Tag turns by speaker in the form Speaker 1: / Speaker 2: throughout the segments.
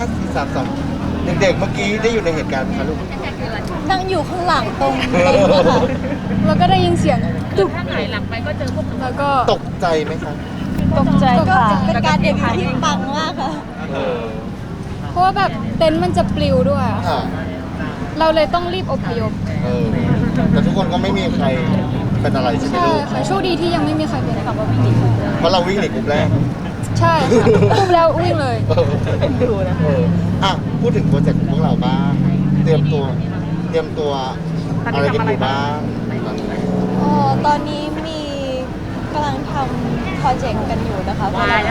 Speaker 1: 5 4 3 2เด็กๆเมื่อกี้ได้อยู่ในเหตุการณ์ไหมคะลูก
Speaker 2: นั่งอยู่ข้างหลังตรงนี้ค่ะแล้วก็ได้ยินเสียงจุ๊บ
Speaker 3: ถ้าหงายหลังไปก็เจอพวกหนู
Speaker 2: แล้วก็
Speaker 1: ตกใจไหมคะ
Speaker 2: ตกใจ
Speaker 4: ก็
Speaker 2: ค่ะ
Speaker 4: เป็นการเดบิวต์ที่ปังมากค่ะ
Speaker 1: เออ
Speaker 2: เพราะว่าแบบเต็นท์มันจะปลิวด้วยอะ
Speaker 1: ค่ะ
Speaker 2: เราเลยต้องรีบอพยพ
Speaker 1: เออแต่ทุกคนก็ไม่มีใครเป็นอะไรใช่ไหม
Speaker 2: ใช่
Speaker 1: ลูก
Speaker 2: ค่ะโชคดีที่ยังไม่มีใครเป็นกับว่าวิ่งหนี
Speaker 1: เพราะเราวิ่งหนีกลุ่มแรก
Speaker 2: ใช่ค่ะปุ๊บแล้ววิ่งเลย
Speaker 1: ดูนะอ่ะพูดถึงโปรเจกต์ของพวกเราบ้าง เตรียมตัวอะไรกันอยู่บ้างตอนนี้
Speaker 4: ตอนนี้มีกำลังทำโปรเจกต์กันอยู่นะคะโปรเจกต์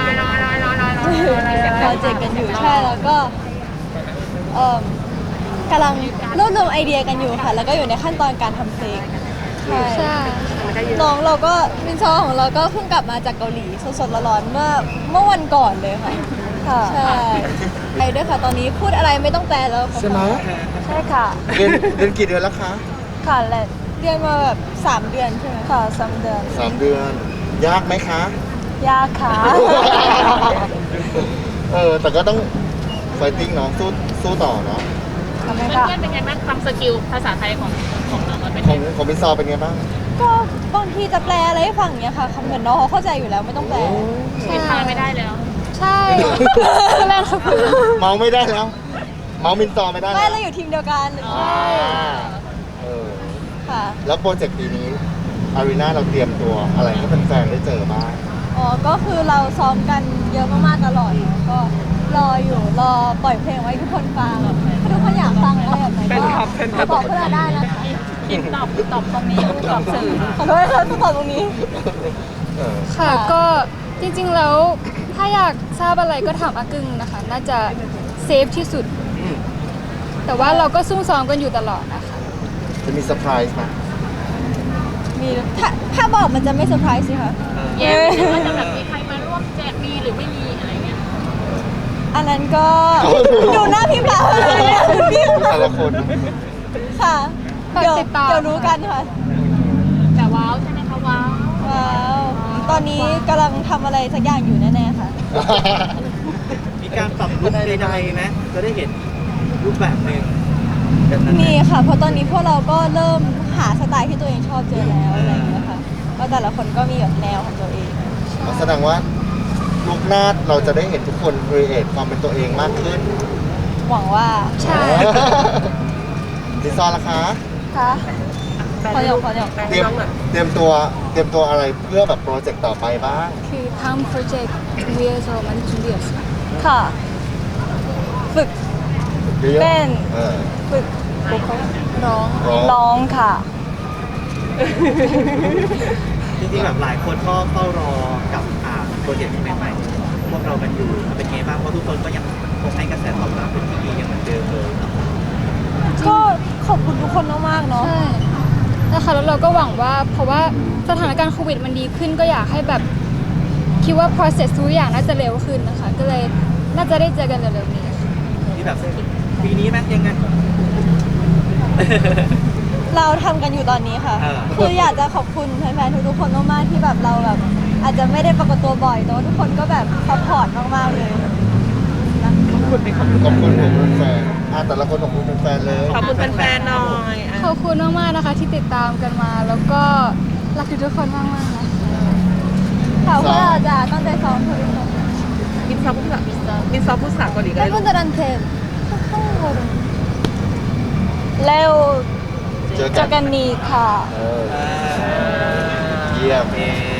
Speaker 4: กันอยู่ใช่แล้วก็กำลังรวบรวมไอเดียกันอยู่ค่ะ แล้วก็อยู่ในขั้นตอนการทำเพลงใช่
Speaker 2: ใช่
Speaker 4: น้องเราก็มินซอของเราก็เพิ่งกลับมาจากเกาหลีสดๆร้อนๆเมื่อวันก่อนเลยค่ะใช่ไปด้วยค่ะตอนนี้พูดอะไรไม่ต้องแปลแล้วค่ะ
Speaker 1: ใช่ไหม
Speaker 4: ใช่ค่ะ
Speaker 1: เรียนกี่เดือนแล้วคะ
Speaker 4: ค่ะและเรียนมาแบบ3 เดือนใช่ไหมค่ะ3 เดือน
Speaker 1: 3 เดือน ยากไหมคะ
Speaker 4: ยากค่ะ
Speaker 1: แต่ก็ต้องไฟติ้งเนาะสู้ต่อเนาะ
Speaker 4: ทำไม
Speaker 3: เพื่
Speaker 4: คะ
Speaker 3: อนๆเป็นไงบ้างความสกิลภาษาไทยของน้องมันเป็น
Speaker 1: ข
Speaker 3: ไง
Speaker 1: องมินซอเป็นไงบ้าง
Speaker 4: ก็บางทีจะแปลอะไรให้ฟังเนี้ยค่ะเหมือนน้องเขาเข้าใจอยู่แล้วไม่ต้องแปล
Speaker 3: ผิดพลาดไม่ได้แล้ว
Speaker 2: ใช่ก็แรงครับ
Speaker 1: เมาไม่ได้แล้ว เมามินซอไม่ได้
Speaker 4: ไม่
Speaker 1: แล้ว
Speaker 4: เราอยู่ทีมเดียวกัน
Speaker 1: เออ
Speaker 4: ค่ะ
Speaker 1: แล้วโปรเจกต์ปีนี้อารีนาเราเตรียมตัวอะไรให้แฟนๆได้เจอบ้าง
Speaker 4: อ๋อก็คือเราซ้อมกันเยอะมากๆตลอดเนอะก็รอปล่อยเพลงไว้ให้ทุกคนฟังถ้าทุกคนอยากฟังอะไรแบบไหนก็บอกพวกเราได้นะคะ
Speaker 3: คิดตอบตรงนี้ตอบสื่อ
Speaker 4: ขอโทษค่ะต้องตอบตรงนี้
Speaker 1: เออ
Speaker 2: ค่ะก็จริงๆแล้วถ้าอยากทราบอะไรก็ถามอากึ่งนะคะ น่าจะเซฟที่สุด
Speaker 1: อืม
Speaker 2: แต่ว่าเราก็ซุ่มซ้อมกันอยู่ตลอดนะคะ
Speaker 1: จะมีเซอร์ไพรส์ไหม
Speaker 4: มีถ้าบอกมันจะไม่เซอร์ไพรส์สิคะ
Speaker 3: แย้มหรือว่าจะแบบมีใครมาร่วมแจกมีหรือไม่มีอะไรเงี้ย
Speaker 4: อันนั้นก็ดูหน้าพี่ปาเลยเนี่ยพี่
Speaker 1: แต่ละคน
Speaker 4: ค่ะ
Speaker 2: ฝาก
Speaker 4: เดี๋ยว
Speaker 2: ติดตาม
Speaker 4: เดี๋ยวรู้กันค่ะ
Speaker 3: แต่ว้าวใช่ไหมคะว้าว
Speaker 4: ว้าวตอนนี้กำลังทำอะไรสักอย่างอยู่แน่ๆค่ะ
Speaker 5: มีการปรับลุคใดๆไหมจะได้เห็นรูปแบบหนึ่งแบบนั้นไห
Speaker 4: มีค่ะ เพราะตอนนี้พวกเราก็เริ่มหาสไตล์ที่ตัวเองชอบเจอแล้วอะไรอย่างเงี้ยค่ะก็แต่ละคนก็มีแบบแนวของตัวเอง
Speaker 1: แสดงว่าลูกหน้าเราจะได้เห็นทุกคนครีเอทความเป็นตัวเองมากขึ้น
Speaker 4: หวังว่า
Speaker 2: ใช่
Speaker 1: ดิซอนล่ะคะ
Speaker 4: ค่ะขอหยอก
Speaker 1: เตรียมตัวอะไรเพื่อแบบโปรเจกต์ต่อไปบ้าง
Speaker 2: คือทำโปรเจกต์ 위해서 많이 준비했어요.
Speaker 4: ค่ะ ฝึก
Speaker 1: เยอะๆ
Speaker 4: เต้น
Speaker 1: เออ
Speaker 4: ฝึก
Speaker 2: ร้อง
Speaker 4: ร้องค่ะ
Speaker 5: จริงๆแบบหลายคนก็เฝ้ารอกับโปรเจกต์ใหม่ๆพวกเรากันอยู่เป็นไงบ้างเพราะทุกคนก็ยังคงให้กระแสตอบรับเป็นที่ดียังเหมือนเดิมเลยเนาะ
Speaker 4: ก็ขอบคุณทุกคนมากๆเนาะ
Speaker 2: ใช่นะคะแล้วเราก็หวังว่าเพราะว่าสถานการณ์โควิดมันดีขึ้นก็อยากให้แบบคิดว่า process ทุกอย่างน่าจะเร็วขึ้นนะคะ ก็เลยน่าจะได้เจอกันเร็วๆนี้ค่ะ
Speaker 5: ที่แบบปีนี้ไหมยังไง
Speaker 4: เราทำกันอยู่ตอนนี้ค่ะ คืออยากจะขอบคุณแฟนๆทุกๆคนมากๆที่แบบเราแบบอาจจะไม่ได้ปรากฏตัวบ่อยแต่ว่าทุกคนก็แบบซัพพอร์ตมากๆเลย
Speaker 1: ขอบคุณผมแฟนแต่ละคนขอบคุณแฟนเลย
Speaker 3: ขอบคุณแฟนๆหน่อย
Speaker 2: ขอบคุณมากๆนะคะที่ติดตามกันมา แล้วก็รักทุกคนมากๆนะ
Speaker 4: ค่ะเพราะเราจะตั้งใจซ้อมทุกคน
Speaker 3: มินซอพูดภาษาเกาหลีกัน
Speaker 4: และ
Speaker 3: เลย
Speaker 4: เพื่อนจะดันเทมแล้ว
Speaker 1: เจอ
Speaker 4: เจอกันนี้ค่ะ
Speaker 1: เยี่ยม
Speaker 5: เอ